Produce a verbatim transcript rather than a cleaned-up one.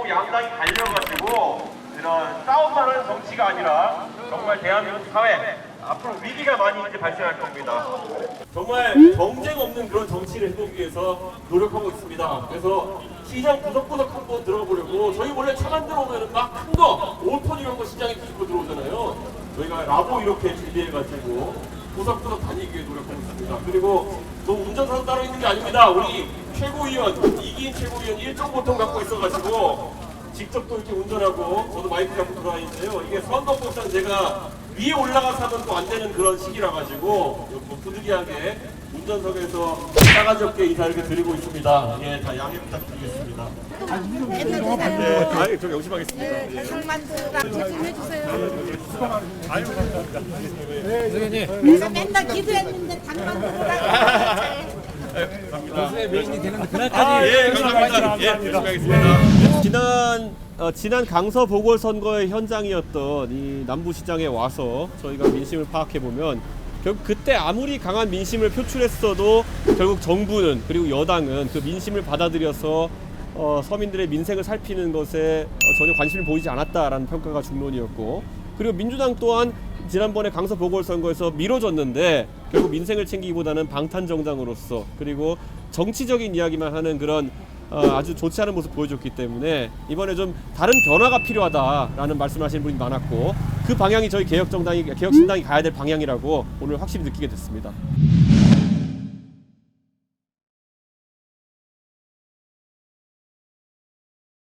정부 양당이 갈려가지고 이런 싸움만 하는 정치가 아니라 정말 대한민국 사회 앞으로 위기가 많이 이제 발생할 겁니다. 정말 경쟁 없는 그런 정치를 해보기 위해서 노력하고 있습니다. 그래서 시장 구석구석 한번 들어가 보려고, 저희 원래 차 만들어 오면 막 큰 거, 오 톤 이런 거 시장에 뒤집고 들어오잖아요. 저희가 라보 이렇게 준비해가지고 구석구석 다니기 위해 노력하고 있습니다. 그리고 또 운전사도 따로 있는 게 아닙니다. 우리 최고위원, 이기인 최고위원 일 종 보통 갖고 있어가지고 직접 또 이렇게 운전하고 저도 마이크 잡고 들어다니는데요. 이게 선거법상 제가 위에 올라가서 하면 또 안 되는 그런 시기라 가지고 뭐 부득이하게 운전석에서 싸가지 없게 인사를 이렇게 드리고 있습니다. 예, 다 양해 부탁드리겠습니다. 네, 아예 좀 열심하겠습니다. 예. 살만두랑 조심해 주세요. 아유, 감사합니다. 그래서 맨날 기도했는데 당만두랑 메인이 되는 그날까지. 아, 예, 감사합니다. 예, 열심히 하겠습니다. 지난 어, 지난 강서 보궐선거의 현장이었던 이 남부시장에 와서 저희가 민심을 파악해 보면 결국 그때 아무리 강한 민심을 표출했어도 결국 정부는, 그리고 여당은 그 민심을 받아들여서 어, 서민들의 민생을 살피는 것에 어, 전혀 관심을 보이지 않았다라는 평가가 중론이었고, 그리고 민주당 또한 지난번에 강서 보궐선거에서 미뤄졌는데 결국 민생을 챙기기보다는 방탄정당으로서 그리고 정치적인 이야기만 하는 그런 어, 아주 좋지 않은 모습 보여줬기 때문에 이번에 좀 다른 변화가 필요하다라는 말씀하시는 분이 많았고, 그 방향이 저희 개혁정당이, 개혁신당이 가야 될 방향이라고 오늘 확실히 느끼게 됐습니다.